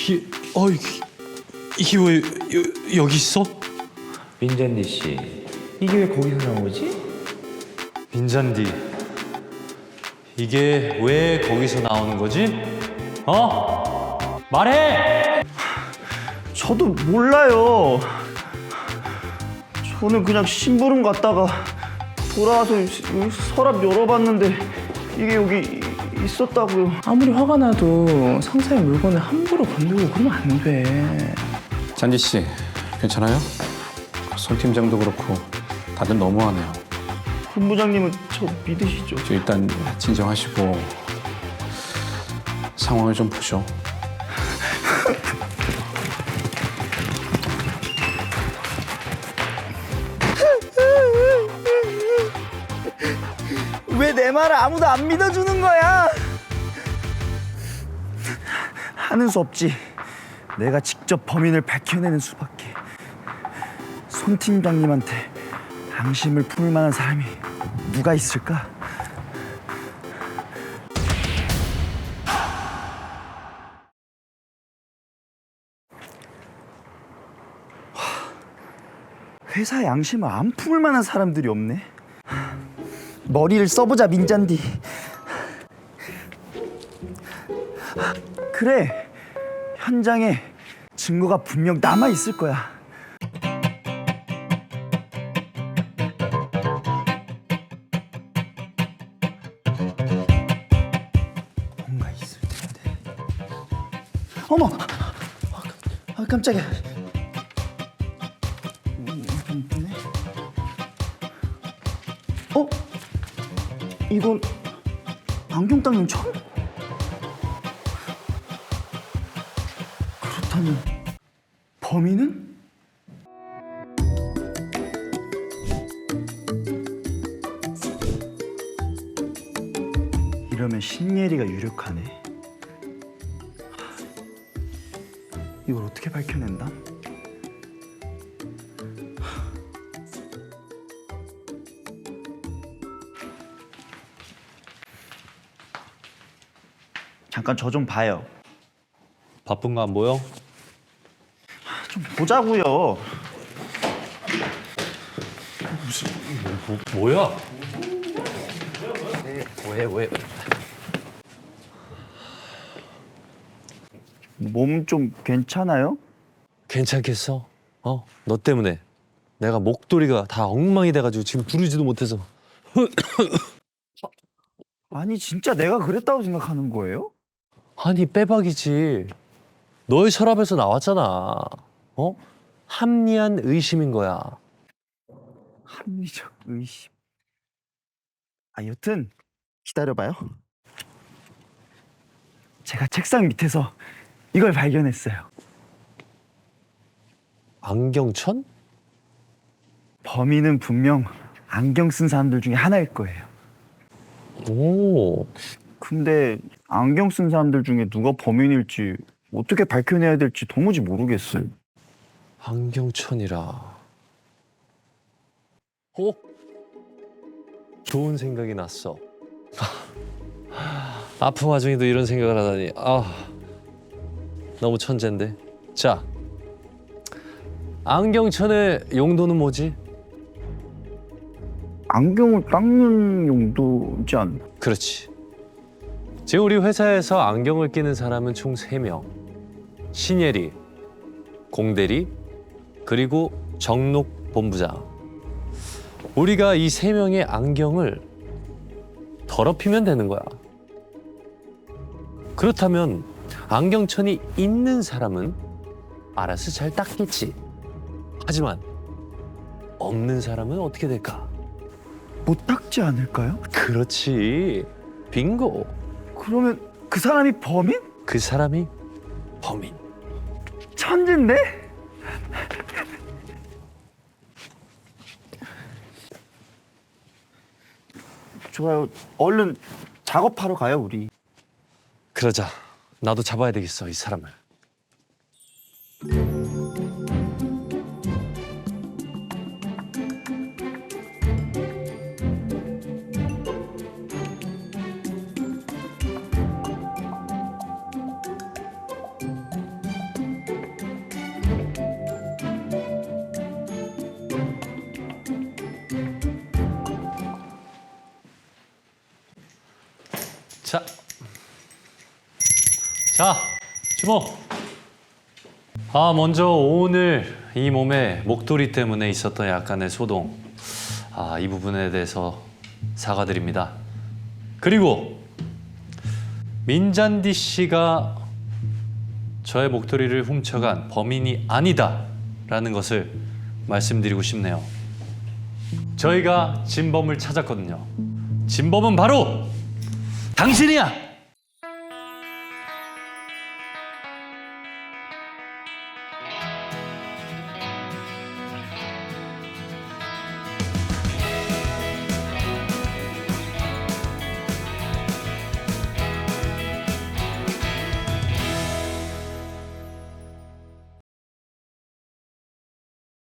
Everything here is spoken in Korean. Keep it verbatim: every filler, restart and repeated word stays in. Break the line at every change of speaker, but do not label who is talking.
이게 어 이게, 이게 왜 여, 여기 있어?
민잔디 씨, 이게 왜 거기서 나오지?
빈잔디, 이게 왜 거기서 나오는 거지? 어? 말해!
저도 몰라요. 저는 그냥 심부름 갔다가 돌아와서 서랍 열어봤는데 이게 여기 있었다고요.
아무리 화가 나도 상사의 물건을 함부로 건들고 그러면 안 돼.
잔디 씨, 괜찮아요? 손 팀장도 그렇고 다들 너무하네요.
본부장님은 저 믿으시죠?
저 일단 진정하시고 상황을 좀 보죠.
왜 내 말을 아무도 안 믿어주는 거야? 하는 수 없지. 내가 직접 범인을 밝혀내는 수밖에. 손 팀장님한테 앙심을 품을 만한 사람이 누가 있을까? 회사에 앙심을 안 품을 만한 사람들이 없네. 머리를 써보자, 민잔디. 그래, 현장에 증거가 분명 남아 있을 거야. 뭔가 있을 텐데. 어머, 아, 깜짝이야. 어? 이건 안경 닦는 천? 그렇다면 범인은? 이러면 신예리가 유력하네. 이걸 어떻게 밝혀낸다? 잠깐 저 좀 봐요.
바쁜 거 안 보여?
좀 보자고요.
뭐, 뭐야?
왜 왜? 몸 좀 괜찮아요?
괜찮겠어? 어? 너 때문에 내가 목도리가 다 엉망이 돼가지고 지금 부르지도 못해서.
아니 진짜 내가 그랬다고 생각하는 거예요?
아니 빼박이지. 너의 서랍에서 나왔잖아. 어? 합리한 의심인 거야.
합리적 의심. 아 여튼 기다려봐요. 제가 책상 밑에서 이걸 발견했어요.
안경천?
범인은 분명 안경 쓴 사람들 중에 하나일 거예요.
오.
근데 안경 쓴 사람들 중에 누가 범인일지 어떻게 밝혀내야 될지 도무지 모르겠어요.
안경천이라. 어? 좋은 생각이 났어. 아픈 와중에도 이런 생각을 하다니. 아, 너무 천재인데. 자, 안경천의 용도는 뭐지?
안경을 닦는 용도지 않나?
그렇지. 지금 우리 회사에서 안경을 끼는 사람은 총 세 명. 신예리, 공대리, 그리고 정록 본부장. 우리가 이 세 명의 안경을 더럽히면 되는 거야. 그렇다면 안경천이 있는 사람은 알아서 잘 닦겠지. 하지만 없는 사람은 어떻게 될까?
못 닦지 않을까요?
그렇지. 빙고.
그러면 그 사람이 범인?
그 사람이 범인.
천진데? 좋아요. 얼른 작업하러 가요, 우리.
그러자. 나도 잡아야 되겠어, 이 사람을.
자, 자, 주목. 아, 먼저 오늘 이 몸에 목도리 때문에 있었던 약간의 소동, 아, 이 부분에 대해서 사과드립니다. 그리고 민잔디 씨가 저의 목도리를 훔쳐간 범인이 아니다라는 것을 말씀드리고 싶네요. 저희가 진범을 찾았거든요. 진범은 바로 당신이야!